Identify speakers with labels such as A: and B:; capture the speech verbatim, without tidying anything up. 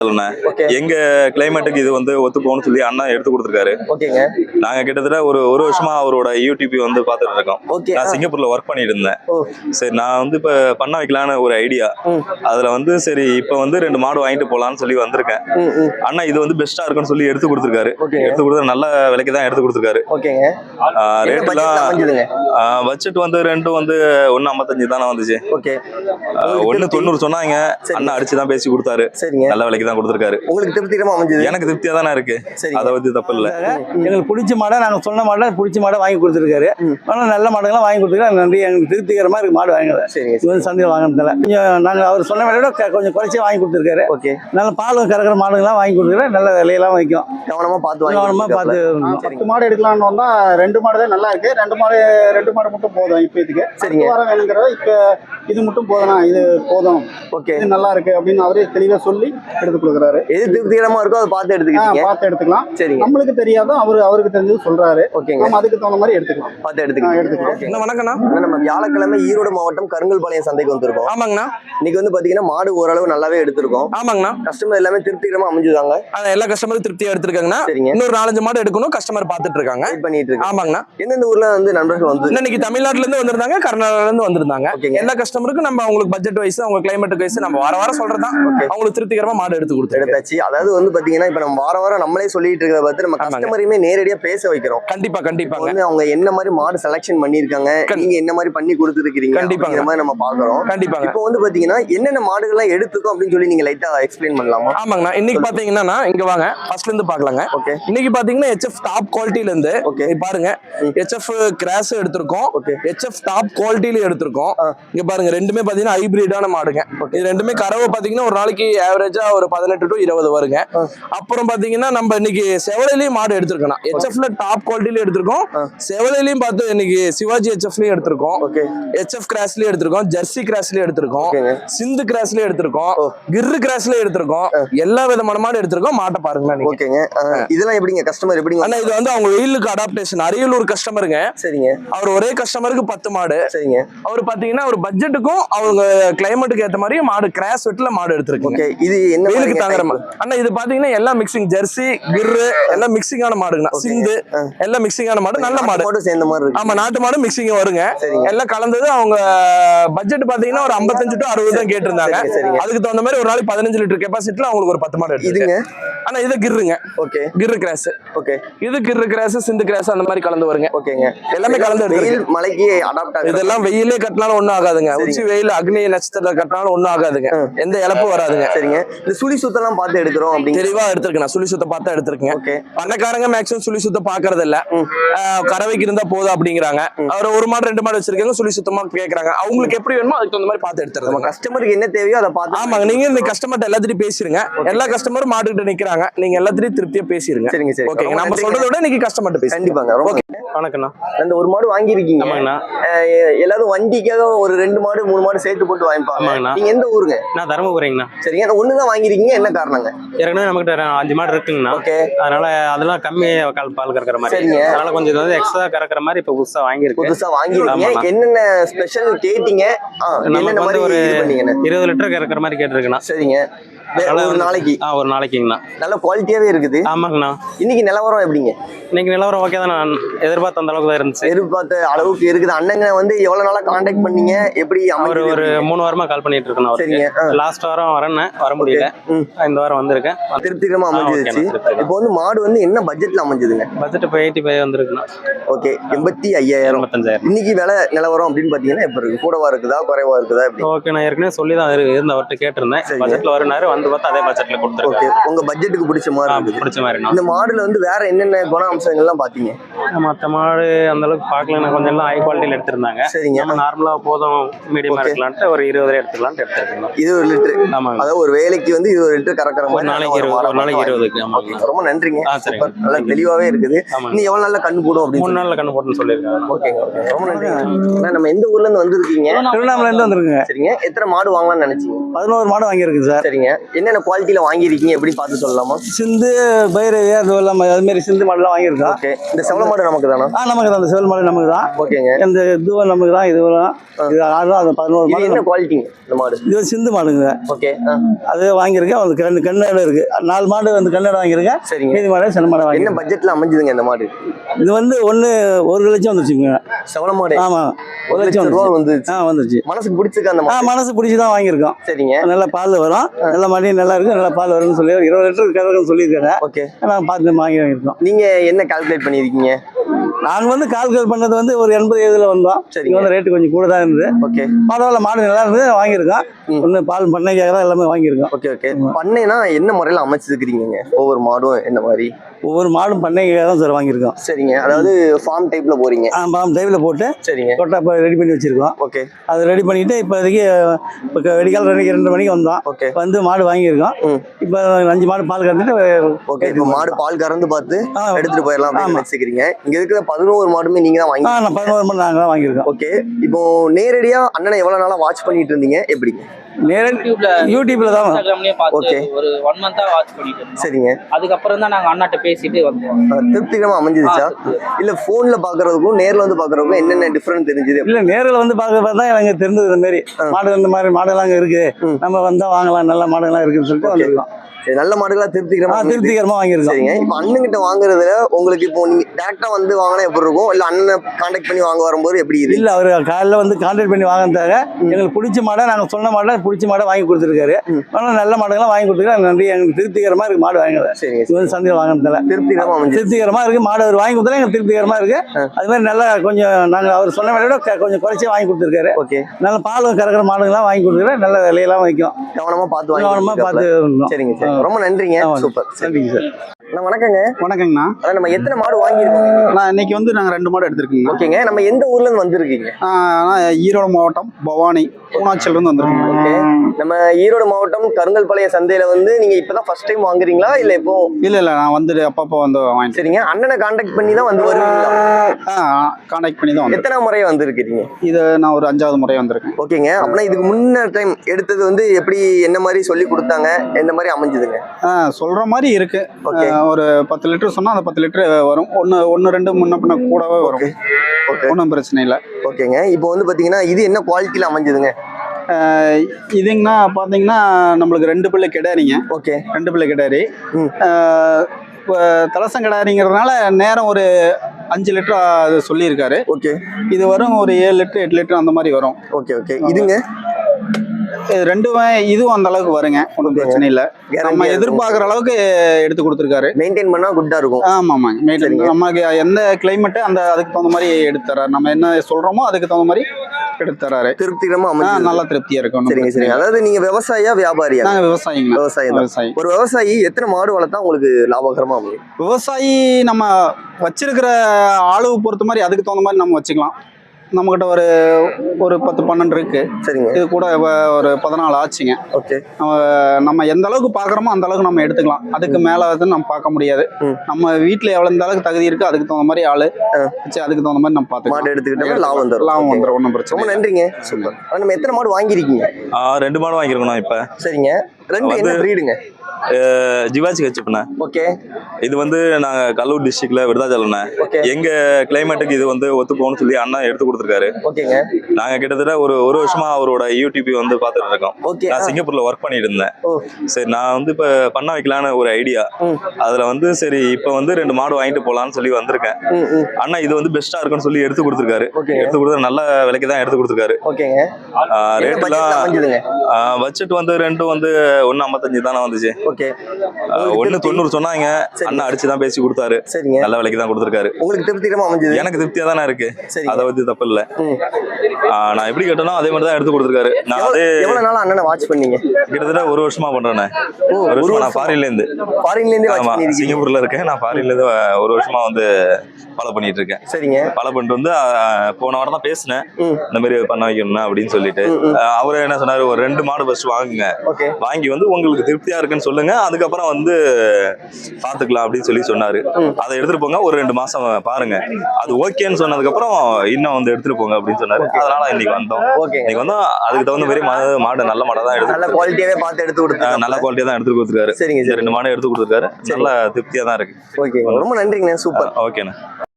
A: எங்க கிளைமேட்டுக்கு இது வந்து ஒத்து போகணும்னு சொல்லி அண்ணா எடுத்து கொடுத்துருக்காரு.
B: ஓகேங்க.
A: நாங்க கிட்டத்தட்ட ஒரு ஒரு வருஷமா அவரோட யூடியூப் வந்து பாத்துட்டு இருக்கோம். நான் சிங்கப்பூர்ல ஒர்க் பண்ணிட்டு இருந்தேன். சரி நான் வந்து இப்ப பண்ண வைக்கலான்னு ஒரு ஐடியா. அதுல வந்து சரி இப்ப வந்து ரெண்டு மாடு வாங்கிட்டு போலான்னு சொல்லி வந்திருக்கேன். அண்ணா இது வந்து பெஸ்டா இருக்குன்னு சொல்லி எடுத்து கொடுத்துருக்காரு. எடுத்து கொடுத்து நல்ல விலைக்கு தான் எடுத்து கொடுத்துருக்காரு. ரேட் எல்லாம் பட்ஜெட் வந்து ரெண்டும் வந்து ஒன்னு ஐம்பத்தஞ்சு தானே வந்துச்சு. ஒன்னு தொண்ணூறு சொன்னாங்க. அண்ணா அடிச்சுதான் பேசி கொடுத்தாரு. நல்ல விலைக்கு தான் கொடுத்துருக்காரு.
B: உங்களுக்கு திருப்திகரமா அமைஞ்சது?
A: எனக்கு திருப்தியா தானே இருக்கு. அதை வந்து தப்பு இல்ல.
C: எங்களுக்கு பிடிச்ச மாடை நாங்க சொன்ன மாடை பிடிச்ச மாடை வாங்கி கொடுத்துருக்காரு. ஆனால் நல்ல மாடுகள்லாம் வாங்கி கொடுத்துருக்காரு. நன்றி. எங்களுக்கு திருப்திகரமா இருக்கு மாடு வாங்கினது. சரி சந்தையில் வாங்கினதில்ல கொஞ்சம் நாங்கள் அவர் சொன்ன விலையோட கொஞ்சம் குறைச்சி வாங்கி கொடுத்துருக்காரு. ஓகே. நல்ல பால் கறக்கிற மாடுகள்லாம் வாங்கி கொடுத்துருக்காரு. நல்ல விலையெல்லாம் வைக்கும்.
B: கவனமா பார்த்து
C: கவனமா பார்த்து.
D: பத்து மாடு எடுக்கலாம்னு வந்தா ரெண்டு மாடு தான் நல்லா இருக்கு. ரெண்டு மாடு ரெண்டு மாடு மட்டும் போதும் இப்போ இதுக்கு. சரிங்க. வாரம் வேணுங்கிற இப்ப இது மட்டும் போதும், இது போதும், ஓகே இது நல்லா இருக்கு அப்படின்னு அவரே தெளிவா சொல்லி எடுத்து கொடுக்குறாரு.
B: எது திருப்திகரமா இருக்கோ அதை பார்த்து எடுத்துக்கிட்டீங்க.
D: பார்த்து எடுத்துக்கலாம். சரி. நம்மளுக்கு தெரியாதோ அவரு அவருக்கு தெரிஞ்சது சொல்றாரு. ஓகேங்க. நம்ம அதுக்கு தகுந்த மாதிரி எடுத்துக்கலாம்.
B: பார்த்து எடுத்துக்கலாம். எடுத்துக்கலாம். வணக்கம்ண்ணா. நம்ம வியாழக்கிழமை ஈரோடு மாவட்டம் கருங்கல்பாளையம் சந்தைக்கு வந்திருக்கோம். ஆமாங்கண்ணா. இன்னைக்கு வந்து பாத்தீங்கன்னா மாடு ஓரளவு நல்லாவே எடுத்திருக்கோம். ஆமாங்கண்ணா. கஸ்டமர் எல்லாமே திருப்திகரமா அமைஞ்சுதாங்க. எல்லா கஸ்டமரும் திருப்தியா எடுத்திருக்காங்கண்ணா. இன்னொரு நாலஞ்சு மாடு எடுக்கணும் கஸ்டமர் பார்த்துட்டு இருக்காங்க. பண்ணிட்டு இருக்காங்க. ஆமாங்கண்ணா. எந்தெந்த ஊர்ல வந்து நண்பர்கள் வந்து இன்னைக்கு தமிழ்நாட்டுல இருந்து வந்திருந்தாங்க, கர்நாடகால இருந்து வந்திருந்தாங்க. எல்லா கஸ்டமருக்கும் நம்ம அவங்களுக்கு பட்ஜெட் வைஸ் அவங்க கிளைமேட் வைஸ் நம்ம வார வாரம் சொல்றதுதான் அவங்களுக்கு திருப்திகரமா மாடு எடுத்து கொடுத்து எடுத்தாச்சு. அதாவது வந்து பாத்தீங்கன்னா இப்ப நம்ம வார வாரம் நம்மளே சொல்லிட்டு இருக்கிறத பார்த்து நம்ம கஸ்டமரையுமே நேரடியா பேச வைக்கிறோம். கண்டிப்பா கண்டிப்பா வந்து அவங்க என்ன மாதிரி மாடு செலக்ஷன் பண்ணிருக்காங்க, நீங்க என்ன மாதிரி பண்ணி கொடுத்துருக்கீங்க, கண்டிப்பா இந்த மாதிரி நம்ம பாக்குறோம். கண்டிப்பா இப்போ வந்து பாத்தீங்கன்னா என்னென்ன மாடுகள்லாம் எடுத்துக்கும் அப்படின்னு சொல்லி நீங்க லைட்டா எக்ஸ்பிளைன் பண்ணலாமா? ஆமாங்கண்ணா. இன்னைக்கு பாத்தீங்கன்னா இங்க வாங்க ஃபர்ஸ்ட்ல இருந்து பாக்கலாங்க. ஓகே. இன்னைக்கு பாத்தீங்கன்னா ஹெச்எஃப் டாப் குவாலிட்டில இருந்து ஓகே பாருங்க ஹெச்எஃப் கிராஸ் எடுத்திருக்கோம். ஹெச்எஃப் டாப் குவாலிட்டில எடுத்திருக்கோம். இங்க பாருங்க ரெண்டுமே பாத்தீங்கன்னா ஹைபிரிடான மாடுங்க. இது ரெண்டுமே கறவை பாத்தீங்கன்னா ஒரு நாளைக்கு ஆவரேஜா ஒரு பதினெட்டு டு இருபது வருங்க. அப்புறம் பாத்தீங்கன்னா நம்ம இன்னைக்கு செவலையிலயும் மாடு எடுத்திருக்கோம். ஹெச்எஃப்ல டாப் குவாலிட்டில எடுத்திருக்கோம். செவலையிலயும் பார்த்து இன்னைக்கு சிவாஜி ஹெச்எஃப்லயும் எடுத்திருக்கோம். ஹெச்எஃப் கிராஸ்லயும் எடுத்திருக்கோம். ஜெர்சி கிராஸ்லயும் எடுத்திருக்கோம். சிந்து கிராஸ்லயும் எடுத்திருக்கோம். கிர்ரு கிராஸ்லயும் எடுத்திருக்கோம். எல்லா விதமான மாடு எடுத்திருக்கோம். மாட்டை பாருங்க. ஓகேங்க. இதெல்லாம் எப்படிங்க கஸ்டமர் எப்படிங்க? ஆனா இது வந்து அவங்க வெயிலுக்கு அடாப்டேஷன். அரியலூர் கஸ்டமருக்கு சரிங்க. அவர் ஒரே கஸ்டமருக்கு பத்து மாடு சரிங்க. அவர் பாத்தீங்கன்னா ஒரு பட்ஜெட்டுக்கும் அவங்க கிளைமேட்டுக்கு ஏத்த மாதிரி மாடு கிராஸ் வெட்ல மாடு எடுத்திருக்கோம். இது என்ன வெயிலுக்கு தாங்குற மாடு. ஆனா இது பாத்தீங்கன்னா எல்லாம் மிக்சிங் ஜெர்சி கிர்ரு எல்லாம் மிக்சிங்கான மாடுங்க. சிந்து எல்லாம் மிக்சிங்கான மாடு. நல்ல மாடு சேர்ந்த மாதிரி இருக்கு. ஆமா நாட்டு மாடு மிக்சிங் வருங்க. எல்லாம் கலந்தது. அவங்க பட்ஜெட் பாத்தீங்கன்னா ஒரு ஐம்பத்தஞ்சு டு அறுபது தான் கேட்டிருந்தாங்க. அதுக்கு தகுந்த மாதிரி ஒரு நாளைக்கு பதினஞ்சு லிட்டர் கெப்பாசிட்டில அவங்களுக்கு ஒரு பத்து மாடு எடுத்துங்க. ஆனா இது கிர்ருங்க. ஓகே. கிர்ரு கிராஸ். ஓகே. இது கிர்ரு கிராஸ் சிந்து கிராஸ் அந்த மாதிரி கலந்து வருங்க. ஓகேங்க. எல்லாமே கலந்து வெயில் மலைக்கு அடாப்ட் ஆகுது. இதெல்லாம் வெயிலே கட்டினாலும் ஒண்ணும் ஆகாதுங்க. உச்சி வெயில் அக்னி நட்சத்திரத்துல கட்டினாலும் ஒண்ணும் ஆகாதுங்க. எந்த இழப்பும் வராதுங்க. சரிங்க. இந்த சுழி சுத்தெல்லாம் பார்த்து எடுக்கிறோம் அப்படின்னு தெளிவா எடுத்திருக்கேன். சுழி சுத்த பார்த்து எடுத்திருக்கேன். ஓகே. பண்ணக்காரங்க மேக்ஸிமம் சுழி சுத்த பாக்குறது இல்ல. கறவைக்கு இருந்தா போதும் அப்படிங்கிறாங்க. அவர் ஒரு மாடு ரெண்டு மாடு வச்சிருக்காங்க. சுழி சுத்தமா கேக்குறாங்க. அவங்களுக்கு எப்படி வேணுமோ அதுக்கு தகுந்த மாதிரி பார்த்து எடுத்துருங்க. கஸ்டமருக்கு என்ன தேவையோ அதை பார்த்து. ஆமாங்க. நீங்க இந்த கஸ்டமர்ட்ட எல்லாத்திட்டையும் பேசிருங்க. எல்லா கஸ்டமரும் மாடு கிட்ட நிக்கிறாங்க. நீங்க எல்லாத்திட்டையும் திருப்தியா பேசிருங்க. சரிங்க சரி. ஓகே. நம்ம சொல்றத விட இன்னைக்கு கஸ்டமர்ட்ட பேசி கண்டிப்பாங்க. ஓகே. வணக்கம்ண்ணா. அந்த ஒரு மாடு வாங்கியிருக்கீங்க. எல்லாரும் வண்டிக்காக ஒரு ரெண்டு மாடு மூணு மாடு சேர்த்து போட்டு வாங்கிப்பாங்க. நீங்க எந்த ஊருங்க? நான் தருமபுரிங்கண்ணா. சரிங்க. ஒண்ணுதான் வாங்கிருக்கீங்க. என்ன காரணங்க? ஏற்கனவே நமக்கு அஞ்சு மாடு இருக்குங்கண்ணா. ஓகே. அதனால அதெல்லாம் கம்மி பால் கறக்கிற மாதிரி. சரிங்க. அதனால கொஞ்சம் வந்து எக்ஸ்ட்ரா கறக்கிற மாதிரி இப்ப புதுசா வாங்கிருக்கு. புதுசா வாங்கிருக்கீங்க. என்னென்ன ஸ்பெஷல் கேட்டீங்க? என்னென்ன மாதிரி ஒரு இருபது லிட்டர் கறக்கிற மாதிரி கேட்டிருக்குண்ணா. சரிங்க. ஒரு நாளைக்கு ஒரு நாளைக்குங்கண்ணா. நல்ல குவாலிட்டியாவே இருக்குது. ஆமாங்கண்ணா. இன்னைக்கு நிலவரம் எப்படிங்க? இன்னைக்கு நிலவரம் ஓகே தான். நான் எதிர்பார்த்த அந்த அளவுக்கு தான் இருந்துச்சு. எதிர்பார்த்த அளவுக்கு இருக்குது. அண்ணங்க வந்து எவ்வளவு நாளா கான்டாக்ட் பண்ணீங்க? எப்படி ஒரு ஒரு மூணு வாரமா கால் பண்ணிட்டு இருக்கேன். சரிங்க. லாஸ்ட் வாரம் வரேன்னு வர முடியல. இந்த வாரம் வந்திருக்கேன். திருப்திகரமா அமைஞ்சிருச்சு. இப்போ வந்து மாடு வந்து என்ன பட்ஜெட்ல அமைஞ்சதுங்க? பட்ஜெட் இப்போ எயிட்டி ஃபைவ் வந்திருக்குண்ணா. ஓகே. எண்பத்தி ஐயாயிரம் எண்பத்தஞ்சாயிரம். இன்னைக்கு விலை நிலவரம் அப்படின்னு பாத்தீங்கன்னா எப்படி இருக்கு? கூடவா இருக்குதா குறைவா இருக்குதா? ஓகே. நான் ஏற்கனவே சொல்லி தான் இருந்த அவர்கிட்ட கேட்டிருந்தேன். பட்ஜெட்ல வரனாரு வந்து பார்த்தா அதே பட்ஜெட்ல கொடுத்துருக்கேன். உங்க பட்ஜெட்டுக்கு பிடிச்ச மாதிரி பிடிச்ச மாதிரி. இந்த மாடுல வந்து வேற என்னென்ன குண அம்சங்கள்லாம் பாத்தீங்க? மற்ற மாடு அந்த அளவுக்கு பாக்கல. கொஞ்சம் எல்லாம் ஹை குவாலிட்டியில எடுத்திருந்தாங்க. சரிங்க. நம்ம நார்மலா போதும் மீடியமா இருக்கலாம்ட்டு ஒரு இருபது எடுத்துக்கலாம்னு எடுத்துருக்கோம். இருபது லிட்டர். ஆமாங்க. அதாவது ஒரு வேலைக்கு வந்து இருபது லிட்டர் கறக்கிற மாதிரி. நாளைக்கு ஒரு நாளைக்கு இருபதுக்கு. ரொம்ப நன்றிங்க. நல்லா தெளிவாவே இருக்குது. இன்னும் எவ்வளவு நாள்ல கண்ணு போடும் அப்படின்னு மூணு நாள்ல கண்ணு போடுன்னு சொல்லியிருக்காங்க. ஓகேங்க. ரொம்ப நன்றி. நம்ம எந்த ஊர்ல இருந்து வந்திருக்கீங்க? திருவண்ணாமலை இருந்து வந்திருக்கீங்க. சரிங்க. எத்தனை மாடு வாங்கலாம்னு நினைச்சீங்க? பதினோரு மாடு வாங்கியிருக்கு சார். சரிங்க. என்னென்ன குவாலிட்டியில வாங்கியிருக்கீங்க எப்படி பார்த்து சொல்லலாமா? சிந்து பைரவி அது மாதிரி சிந்து மாடுலாம் வாங்கியிருக்கோம். ஓகே. இந்த செவல மாடு நமக்கு தானா? ஆ நமக்கு தான். இந்த செவல் மாடு நமக்கு தான். ஓகேங்க. இந்த இதுவும் நமக்கு தான். இதுவெல்லாம் இது ஆறு அது பதினோரு மாடு. என்ன குவாலிட்டிங்க இந்த மாடு? இது சிந்து மாடுங்க. ஓகே. அது வாங்கியிருக்கு.
C: இருக்கு, அந்த கண்ணு கண்ணாடம் இருக்கு. நாலு மாடு வந்து கண்ணாடம் வாங்கியிருக்கேன்.
B: சரிங்க.
C: மீதி மாடு சின்ன மாடு வாங்கி.
B: என்ன பட்ஜெட்ல அமைஞ்சுதுங்க இந்த மாடு?
C: இது வந்து ஒன்று ஒரு லட்சம் வந்துருச்சுங்க.
B: செவல மாடு.
C: ஆமா,
B: ஒரு லட்சம் ரூபா வந்து
C: ஆ வந்துருச்சு.
B: மனசுக்கு பிடிச்சிருக்கு அந்த
C: ஆ
B: மாடு?
C: மனசு பிடிச்சி தான் வாங்கியிருக்கோம்.
B: சரிங்க.
C: நல்ல பால் வரும், நல்ல மாடி நல்லா இருக்கு, நல்ல பால் வரும்னு சொல்லி ஒரு இருபது லிட்டர் கறக்குன்னு சொல்லியிருக்காங்க.
B: ஓகே.
C: நான் பார்த்து வாங்கி வாங்கியிருக்கோம்.
B: நீங்க என்ன கால்குலேட் பண்ணிருக்கீங்க?
C: நாங்க வந்து கால்குலேட் பண்ணது வந்து ஒரு எண்பது ஏழுல வந்தோம்.
B: சரிங்க.
C: வந்து ரேட்டு கொஞ்சம் கூட தான் இருந்தது.
B: ஓகே.
C: பரவாயில்ல, மாடு நல்லா இருந்தது, வாங்கியிருக்கோம். ஒன்று பால் பண்ணைக்காக தான் எல்லாமே வாங்கியிருக்கோம்.
B: Okay okay. பண்ணைனா என்ன முறையில அமைச்சிருக்கிறீங்க? ஒவ்வொரு மாடும் என்ன மாதிரி?
C: ஒவ்வொரு மாடும் பண்ணைக்காக தான் சார் வாங்கியிருக்கோம்.
B: சரிங்க. அதாவது ஃபார்ம் டைப்ல போறீங்க?
C: ஆமாம், டைவில் போட்டு
B: சரிங்க
C: கொட்டா ரெடி பண்ணி வச்சிருக்கோம்.
B: ஓகே.
C: அது ரெடி பண்ணிட்டு இப்போதைக்கு இப்போ வெடிக்கால ரெண்டு ரெண்டு மணிக்கு வந்தோம்.
B: ஓகே.
C: வந்து மாடு வாங்கியிருக்கோம். இப்போ அஞ்சு மாடு பால் கறந்துட்டு.
B: ஓகே. இப்போ மாடு பால் கறந்து பார்த்து
C: ஆ,
B: எடுத்துட்டு போயிடலாம் அப்படின்னு
C: ஆமா.
B: வச்சுக்கிறீங்க. இங்க இருக்கிற பதினோரு மாடுமே நீங்க தான் வாங்கி?
C: ஆ, நான் பதினோரு மணி நாங்கள் தான் வாங்கியிருக்கோம்.
B: ஓகே. இப்போ நேரடியா அண்ணனை எவ்வளவு நாளா வாட்ச் பண்ணிட்டு இருந்தீங்க, எப்படிங்க?
C: நேரடி
E: யூடியூப்ல
C: யூடியூப்ல தான்.
E: இன்ஸ்டாகிராம்லயே பார்த்து
B: ஓகே.
E: ஒரு ஒன் மந்தா வாட்ச் பண்ணிட்டு இருந்தோம்.
B: சரிங்க.
E: அதுக்கப்புறம் தான் நாங்க அண்ணாட்ட பேசிட்டு வந்தோம்.
B: அஹ் திருப்திகரமா அமைஞ்சிருச்சா? இல்ல போன்ல பாக்குறதுக்கும் நேர்ல வந்து பாக்குறதுக்கும் என்னென்ன டிஃபரன்ஸ் தெரிஞ்சது?
C: இல்ல, நேரில் வந்து பார்க்க தான் எனக்கு தெரிஞ்சது. இந்த மாதிரி மாடு இந்த மாதிரி மாடெல்லாம் அங்கே இருக்கு,
B: ம்.
C: நம்ம வந்தா வாங்கலாம், நல்ல மாடெல்லாம் இருக்குன்னு சொல்லிட்டு வந்திருக்கோம்.
B: சரி, நல்ல மாடுகளா திருப்திகரமா
C: ஆ,
B: அமைஞ்சிருக்கு.
C: திருப்திகரமா வாங்கியிருக்கோம்.
B: சரிங்க. இப்போ அண்ணன்கிட்ட வாங்குறதுல உங்களுக்கு இப்போ நீங்க டேரக்டா வந்து வாங்கினா எப்படி இருக்கும், இல்ல அண்ணனை கான்டாக்ட் பண்ணி வாங்க வரும்போது எப்படி இருக்கு?
C: இல்ல, அவர் காலைல வந்து கான்டாக்ட் பண்ணி வாங்கினதாக எங்களுக்கு பிடிச்ச மாடை, நாங்க சொன்ன மாடை பிடிச்ச மாடை வாங்கி கொடுத்துருக்காரு. ஆனால் நல்ல மாடுகள்லாம் வாங்கி கொடுத்துருக்காரு. நன்றி. எங்களுக்கு திருப்திகரமா இருக்கு மாடு வாங்கினது.
B: சரிங்க.
C: இது வந்து சந்தையில் வாங்கினதால
B: திருப்திகரமா அமைஞ்சிருக்கு.
C: திருப்திகரமா இருக்கு. மாடு அவர் வாங்கி கொடுத்தாலும் எங்களுக்கு திருப்திகரமா இருக்கு. அது மாதிரி நல்லா கொஞ்சம் நாங்க அவர் சொன்ன விலையோட க- கொஞ்சம் குறைச்சி வாங்கி கொடுத்துருக்காரு.
B: ஓகே.
C: நல்ல பால் கறக்கிற மாடுகள்லாம் வாங்கி கொடுத்துருக்காரு. நல்ல விலையெல்லாம் வைக்கும்.
B: கவனமா பார்த்து வாங்கி
C: கவனமா பார்த்து
B: கொடுத்துருக்காப்ல.
C: இருந்தோம்.
B: சரிங்க சரி. ரொம்ப நன்றிங்க.
C: ஆ,
B: சூப்பர்.
C: நன்றிங்க சார்.
B: அண்ணா வணக்கங்க.
D: வணக்கங்கண்ணா.
B: அதான் நம்ம எத்தனை மாடு வாங்கியிருக்கோம்?
D: நான் இன்னைக்கு வந்து நாங்கள் ரெண்டு மாடு எடுத்திருக்கோங்கண்ணா.
B: ஓகேங்க. நம்ம எந்த ஊர்ல இருந்து வந்திருக்கீங்க?
D: நான் ஈரோடு மாவட்டம் பவானி பூனாச்சல் இருந்து வந்திருக்கோம்.
B: ஓகே. நம்ம ஈரோடு மாவட்டம் கருங்கல்பாளையம் சந்தையில வந்து நீங்க இப்பதான் ஃபர்ஸ்ட் டைம் வாங்குறீங்களா, இல்ல இப்போ?
D: இல்ல இல்ல நான் வந்துட்டு அப்பப்போ வந்து வாங்கிட்டு
B: சரிங்க. அண்ணனை கான்டாக்ட் பண்ணி தான் வந்து வருவீங்களா?
D: கான்டாக்ட் பண்ணி தான் வந்தேன்.
B: எத்தனை முறை வந்திருக்கீங்க?
D: இது நான் ஒரு அஞ்சாவது முறை வந்திருக்கேன்.
B: ஓகேங்க. அப்படின்னா இதுக்கு முன்ன டைம் எடுத்தது வந்து எப்படி, என்ன மாதிரி சொல்லி கொடுத்தாங்க, எந்த மாதிரி அமைஞ்சதுங்க?
D: ஆ, சொல்ற மாதிரி இருக்கு.
B: ஓகே.
D: ஆ, ஒரு பத்து லிட்டர் சொன்னா அந்த பத்து லிட்டர் வரும். ஒன்னு ஒன்னு ரெண்டு முன்ன பின்ன கூடவே வரும்.
B: ஓகே.
D: ஒன்றும் பிரச்சனை இல்லை.
B: ஓகேங்க. இப்போ வந்து பாத்தீங்கன்னா இது என்ன குவாலிட்டியில அமைஞ்சதுங்க?
D: இதுங்கண்ணா பாத்தீங்கன்னா நம்மளுக்கு ரெண்டு பிள்ளை கிடாரிங்க.
B: ஓகே.
D: ரெண்டு பிள்ளை கிடாரி.
B: ம்.
D: இப்போ தலசம் கிடாரிங்கிறதுனால நேரம் ஒரு அஞ்சு லிட்டர் அது சொல்லியிருக்காரு.
B: ஓகே.
D: இது வரும் ஒரு ஏழு லிட்டர் எட்டு லிட்டர் அந்த மாதிரி வரும்.
B: ஓகே. ஓகே. இதுங்க
D: இது ரெண்டுமே இதுவும் அந்த அளவுக்கு வருங்க. ஒன்றும் பிரச்சனை இல்லை. நம்ம எதிர்பார்க்குற அளவுக்கு எடுத்து கொடுத்துருக்காரு.
B: மெயின்டைன் பண்ணா குட்டா இருக்கும்.
D: ஆமா ஆமாங்க. மெயின்டைன் நமக்கு எந்த கிளைமேட்டு அந்த அதுக்கு தகுந்த மாதிரி எடுத்து தர்றாரு. நம்ம என்ன சொல்றோமோ அதுக்கு தகுந்த மாதிரி எடுத்து தர்றாரு.
B: திருப்திகரமா
D: ஆ,
B: அமைஞ்சது.
D: நல்லா திருப்தியா இருக்கும். ஒண்ணும்
B: சரிங்க
D: பிரச்சனை
B: சரிங்க.
D: இல்லை.
B: அதாவது நீங்க விவசாயியா வியாபாரியா?
D: நாங்க விவசாயிங்க.
B: விவசாயம் தான்.
D: விவசாயி.
B: ஒரு விவசாயி எத்தனை மாடு வளர்த்தா உங்களுக்கு லாபகரமா அமையும்?
D: விவசாயி நம்ம வச்சிருக்கிற அளவு பொறுத்த மாதிரி அதுக்கு தகுந்த மாதிரி நம்ம வச்சுக்கலாம். நம்மகிட்ட ஒரு ஒரு பத்து பன்னெண்டு இருக்கு.
B: சரிங்க.
D: இது கூட வ- ஒரு பதினாலு ஆச்சுங்க.
B: ஓகே.
D: நம்ம- நம்ம எந்த அளவுக்கு பாக்குறோமோ அந்த அளவுக்கு நம்ம எடுத்துக்கலாம். அதுக்கு மேல வந்து நம்ம பார்க்க முடியாது.
B: ம்.
D: நம்ம வீட்டுல எவ்வளவு இந்த அளவுக்கு தகுதி இருக்கு அதுக்கு தகுந்த மாதிரி ஆளு வச்சு அதுக்கு தகுந்த மாதிரி நம்ம
B: மாடு
D: பாத்துக்கலாம்.
B: எடுத்துக்கிட்டோம்னா லாபம் தரும்.
D: லாபம்
B: ஓகே.
D: வந்துடும். ஒன்றும் பிரச்சனை
B: ரொம்ப
D: இல்லை.
B: நன்றிங்க. சூப்பர். ஆனா நம்ம எத்தனை மாடு வாங்கியிருக்கீங்க?
A: ஆ, ரெண்டு மாடு வாங்கியிருக்கணும் இப்ப.
B: சரிங்க. ரெண்டு என்ன
A: வந்து-
B: பிரீடுங்க?
A: அஹ் ஜிவாஜி கச்சிப்புண்ணே.
B: ஓகே.
A: இது வந்து நாங்க கல்லூர் டிஸ்ட்ரிக்ட்ல விருதாச்சலம்ண்ணே.
B: ஓகே.
A: எங்க கிளைமேட்டுக்கு இது வந்து ஒத்து போகணும்னு சொல்லி அண்ணா எடுத்து கொடுத்துருக்காரு.
B: ஓகேங்க.
A: நாங்க கிட்டத்தட்ட ஒரு ஒரு வருஷமா அவரோட யூடியூப் வந்து பார்த்துட்டு இருக்கோம்.
B: ஓகே.
A: நான் சிங்கப்பூர்ல ஒர்க் பண்ணிட்டு இருந்தேன்.
B: ஓ.
A: சரி, நான் வந்து இப்ப பண்ண வைக்கலான்னு ஒரு ஐடியா.
B: ம்.
A: அதுல வந்து சரி இப்ப வந்து ரெண்டு மாடு வாங்கிட்டு போலான்னு சொல்லி வந்திருக்கேன்.
B: ம், ம்.
A: அண்ணா இது வந்து பெஸ்டா இருக்குன்னு சொல்லி எடுத்து கொடுத்துருக்காரு.
B: ஓகேங்க.
A: எடுத்து கொடுத்து நல்ல விலைக்கு தான் எடுத்து கொடுத்துருக்காரு.
B: ஓகேங்க. என்ன
A: ரேட்
B: பட்ஜெட்ல
A: எல்லாம்
B: அமைஞ்சதுங்க?
A: பட்ஜெட் வந்து ரெண்டும் வந்து ஒன்னு ஐம்பத்தஞ்சு தானே வந்துச்சு.
B: ஓகே.
A: ஆஹ் ஒண்ணு தொண்ணூறு சொன்னாங்க.
B: சரி.
A: அண்ணா அடிச்சுதான் பேசி கொடுத்தாரு.
B: சரிங்க.
A: நல்ல விலைக்கு தான் கொடுத்துருக்காரு.
B: உங்களுக்கு திருப்திகரமா அமைஞ்சது?
A: எனக்கு திருப்தியா தானே இருக்கு.
B: சரி.
A: அதை வந்து தப்பு இல்ல.
B: ம்.
A: ஆஹ் நான் எப்படி கேட்டனோ அதே மாதிரி தான் எடுத்து கொடுத்துருக்காரு. நான் அதே
B: எவ்வளவு நாளா அண்ணனை வாட்ச் பண்ணீங்க?
A: கிட்டத்தட்ட ஒரு வருஷமா பண்றேனே.
B: ஓ,
A: ஒரு
B: ஒரு
A: வருஷமா நான்
B: வருஷமா?
A: ஃபாரின்ல இருந்து.
B: ஃபாரின்ல இருந்தே வாட்ச்
A: ஆமா,
B: பண்ணிருக்கீங்க?
A: சிங்கப்பூர்ல இருக்கேன். நான் ஃபாரின்ல இருந்து ஒரு வருஷமா வந்து ஃபாலோ பண்ணிட்டு இருக்கேன்.
B: சரிங்க.
A: ஃபாலோ பண்ணிட்டு வந்து ஆஹ் போன வாரம் தான் பேசினேன்.
B: ம்.
A: இந்த மாதிரி பண்ண வைக்கணும் அப்படின்னு சொல்லிட்டு.
B: ம், ம்.
A: ஆஹ் அவரு என்ன சொன்னாரு, ஒரு ரெண்டு மாடு ஃபர்ஸ்ட் வாங்குங்க,
B: ஓகே.
A: வாங்கி வந்து உங்களுக்கு திருப்தியா இருக்குன்னு சொல்லுங்க, அதுக்கப்புறம் வந்து பாத்துக்கலாம் அப்படின்னு சொல்லி சொன்னாரு.
B: ம்.
A: அதை எடுத்துட்டு போங்க, ஒரு ரெண்டு மாசம் பாருங்க, அது ஓகேன்னு சொன்னதுக்கு அப்புறம் இன்னும் வந்து எடுத்துட்டு போங்க அப்படின்னு சொன்னாரு. அதனால இன்னைக்கு வந்தோம்.
B: ஓகேங்க.
A: இன்னைக்கு வந்தோம். அதுக்கு தகுந்த மாதிரி மாடு மாடு நல்ல மாடை தான் எடுத்து
B: நல்ல குவாலிட்டியாவே பார்த்து எடுத்து கொடுத்து.
A: ஆஹ் நல்ல குவாலிட்டியா தான் எடுத்து கொடுத்துருக்காரு.
B: சரிங்க
A: இந்த
B: சரி.
A: ரெண்டு மாடு எடுத்து கொடுத்துருக்காரு. நல்ல திருப்தியா தான் இருக்கு.
B: ஓகேங்க. ரொம்ப நன்றிங்கண்ணே. சூப்பர்.
A: ஓகேண்ணா.